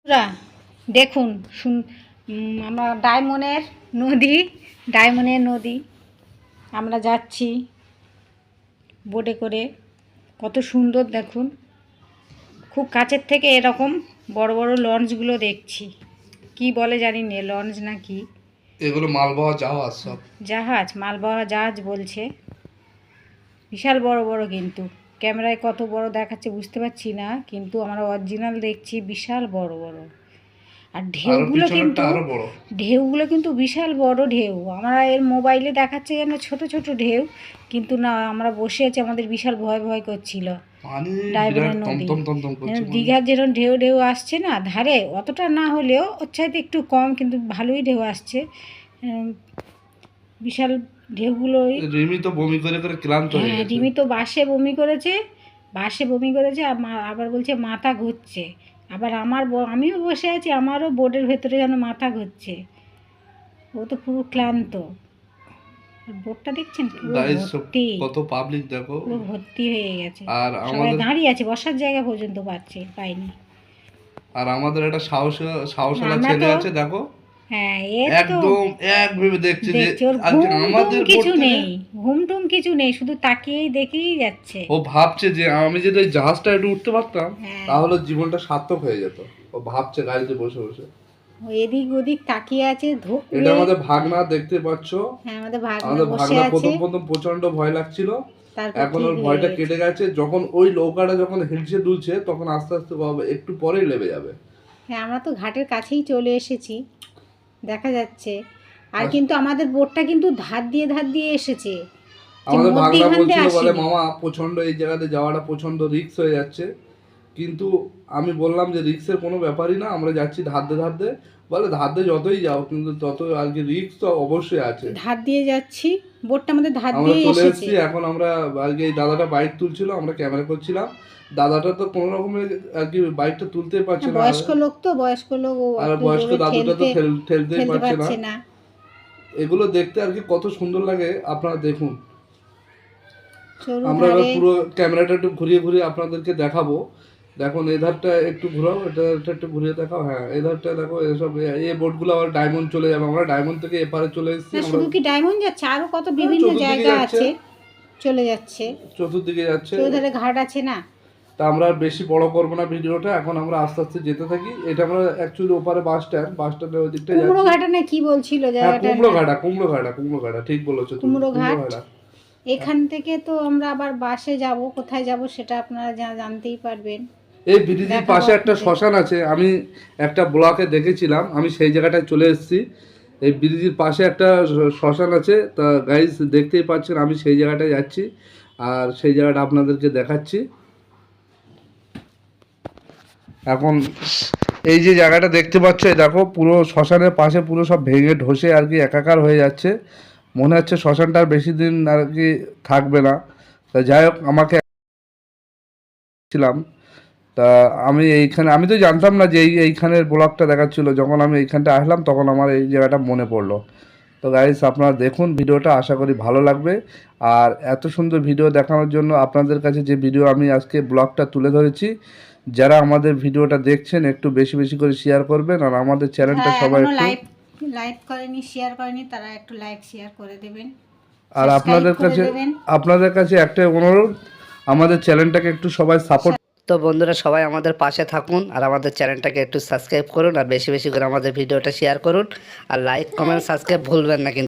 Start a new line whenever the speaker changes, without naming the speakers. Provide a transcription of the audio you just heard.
বন্ধুরা দেখুন আমরা ডায়মন্ডের নদী আমরা যাচ্ছি বোটে করে। কত সুন্দর দেখুন, খুব কাছের থেকে এরকম বড় বড় লঞ্চগুলো দেখছি। কি বলে জানি না, লঞ্চ না কি
এগুলো মালবাহী জাহাজ, সব
জাহাজ, মালবাহী জাহাজ বলছে। বিশাল বড় বড়, কিন্তু ক্যামেরায় কত বড় দেখাচ্ছে বুঝতে পারছি না, কিন্তু আমরা অরিজিনাল দেখছি বিশাল বড় বড়। আর ঢেউগুলো কিন্তু বিশাল বড় ঢেউ। আমরা এর মোবাইলে দেখাচ্ছে যেন ছোট ছোট ঢেউ, কিন্তু না, আমরা বসে আছি, আমাদের বিশাল ভয় ভয় করছিল। ডায়মন্ডের নদী, দীঘার যেরকম ঢেউ ঢেউ আসছে না ধারে, অতটা না হলেও ওর চাইতে একটু কম, কিন্তু ভালোই ঢেউ আসছে। বিশাল ঢেউগুলোই।
রিমি তো বমি করে করে ক্লান্ত হয়ে গেছে।
রিমি তো বাসে বমি করেছে, আবার বলছে মাথা ঘুরছে। আবার আমিও বসে আছি, আমারও বোর্ডের ভেতরে যেন মাথা ঘুরছে। ও তো পুরো ক্লান্ত। বোর্ডটা দেখছেন ভর্তি,
কত পাবলিক দেখো,
পুরো ভর্তি হয়ে গেছে।
আর
সবাই দাঁড়িয়ে আছে, বসার জায়গা পর্যন্ত পাইনি।
আর আমাদের একটা সাহসওয়ালা ছেলে আছে দেখো, একদম এক ভেবে দেখছে যে
আমাদের কিছু নেই, ঘুমটুম কিছু নেই, শুধু তাকিয়েই দেখেই যাচ্ছে।
ও ভাবছে যে আমি যদি ওই জাহাজটা একটু উঠতে পারতাম তাহলে জীবনটা সার্থক হয়ে যেত। ও ভাবছে গাড়িতে বসে বসে,
এদিক ওদিক তাকিয়ে আছে।
এটা আমাদের ভাগনা, দেখতে পাচ্ছ।
আমাদের ভাগনা
প্রথম প্রচন্ড ভয় লাগছিল, এখন ওর ভয়টা কেটে গেছে। যখন ওই নৌকাটা যখন হিলছে দুলছে, তখন আস্তে আস্তে একটু পরেই লেবে যাবে।
হ্যাঁ, আমরা তো ঘাটের কাছেই চলে এসেছি, দেখা যাচ্ছে। আর কিন্তু আমাদের বোটটা কিন্তু ধার দিয়ে এসেছে।
আমাদের ভাগনা বলছিল, বলে মামা প্রচন্ড এই জায়গাতে যাওয়াটা প্রচন্ড রিস্ক হয়ে যাচ্ছে। কিন্তু আমি বললাম যে রিস্কের কোনো ব্যাপারই না, আমরা যাচ্ছি ধার দিয়ে। বলে ধার দিয়ে যতই যাও, কিন্তু তত আর কি রিস্ক তো অবশ্যই আছে।
ধার দিয়ে যাচ্ছি, বোটটা আমাদের ধার দিয়ে
চলে এসেছি। এখন আমরা আর কি, এই দাদাটা বাইক তুলছিল, আমরা ক্যামেরা করছিলাম। দাদাটা তো কোনো রকমের আর কি বাইকটা তুলতেই পারছে না,
বয়স্ক লোক,
আর বয়স্ক দাদুটা তো ঠেলতেই পারছে না। এগুলো দেখতে আর কি কত সুন্দর লাগে, আপনারা দেখুন। আমরা পুরো ক্যামেরাটা একটু ঘুরিয়ে ঘুরিয়ে আপনাদেরকে দেখাবো। দেখুন এই ধারটা একটু ঘোরাও, এটা একটু ঘুরিয়ে দেখাও। হ্যাঁ, এই ধারটা দেখো, এসব এই বোটগুলো আবার ডায়মন্ড চলে যাবে। আমরা ডায়মন্ড থেকে এপারে চলে এসেছি।
শুধু কি ডায়মন্ড যাচ্ছে, আরো কত বিভিন্ন জায়গা আছে, চলে যাচ্ছে,
চতুর্দিকে যাচ্ছে।
চৌধারে ঘাট আছে না।
তা আমরা বেশি বড় করবো না ভিডিওটা, এখন আমরা আস্তে আস্তে যেতে থাকি। এটা আমরা অ্যাকচুয়ালি ওপারে বাস স্ট্যান্ডের ওই দিকটা যাচ্ছি।
কুমড়োঘাটা না কি বলছিল জায়গাটা?
কুমড়োঘাটা ঠিক বলেছো তুমি,
কুমড়োঘাট। এখান থেকে তো আমরা আবার বাসে যাব, কোথায় যাব সেটা আপনারা জানতেই পারবেন।
এই ব্রিজের পাশে একটা শ্মশান আছে, আমি একটা ব্লগে দেখেছিলাম, আমি সেই জায়গাটায় চলে এসেছি। এই ব্রিজের পাশে একটা শ্মশান আছে, তা গাইজ দেখতেই পাচ্ছেন আমি সেই জায়গাটায় যাচ্ছি, আর সেই জায়গাটা আপনাদেরকে দেখাচ্ছি। এখন এই যে জায়গাটা দেখতে পাচ্ছ, দেখো পুরো শ্মশানের পাশে পুরো সব ভেঙে ঢসে আর কি একাকার হয়ে যাচ্ছে। মনে হচ্ছে শ্মশানটা আর বেশি দিন আর কি থাকবে না। তা যাই হোক, আমাকে ছিলাম, তা আমি তো জানতাম না যে এইখানের ব্লগটা দেখাচ্ছিল। যখন আমি এইখানটা আসলাম তখন আমার এই জায়গাটা মনে পড়লো। তো গাইস আপনারা দেখুন ভিডিওটা, আশা করি ভালো লাগবে। আর এত সুন্দর ভিডিও দেখানোর জন্য আপনাদের কাছে যে ভিডিও আমি আজকে ব্লগটা তুলে ধরেছি, যারা আমাদের ভিডিওটা দেখছেন একটু বেশি বেশি করে শেয়ার করবেন। আর আমাদের চ্যানেলটা সবাই একটু
লাইক করেনি, শেয়ার করেনি, তারা একটু লাইক শেয়ার করে দেবেন।
আর আপনাদের কাছে একটা অনুরোধ, আমাদের চ্যানেলটাকে একটু সবাই সাপোর্ট।
তো বন্ধুরা সবাই আমাদের পাশে থাকুন, আর আমাদের চ্যানেলটাকে একটু সাবস্ক্রাইব করুন, আর বেশি বেশি করে আমাদের ভিডিওটা শেয়ার করুন, আর লাইক কমেন্ট সাবস্ক্রাইব ভুলবেন না কিন্তু।